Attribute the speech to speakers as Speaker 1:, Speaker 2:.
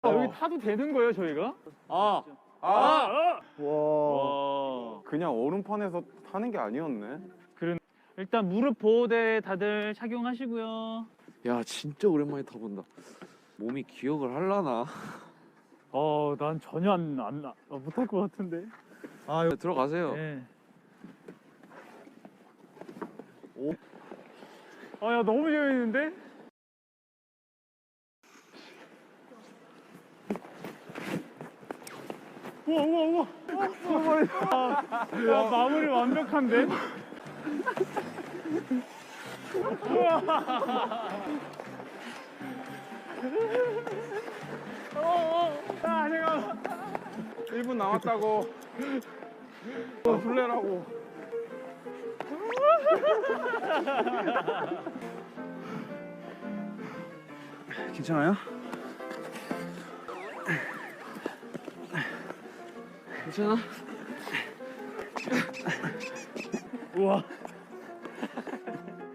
Speaker 1: 여기 타도 되는 거예요, 저희가?
Speaker 2: 와.
Speaker 1: 와.
Speaker 2: 그냥 얼음판에서 타는 게 아니었네.
Speaker 1: 일단 무릎 보호대 다들 착용하시고요.
Speaker 3: 야 진짜 오랜만에 타본다. 몸이 기억을 할라나?
Speaker 1: 난 전혀 못할 것 같은데.
Speaker 3: 들어가세요.
Speaker 1: 네. 야, 너무 재밌는데? 우와. 야, 마무리 완벽한데? 잠깐만.
Speaker 2: 1분 남았다고. 술래라고.
Speaker 3: 괜찮아요? 괜찮아?
Speaker 1: 우와.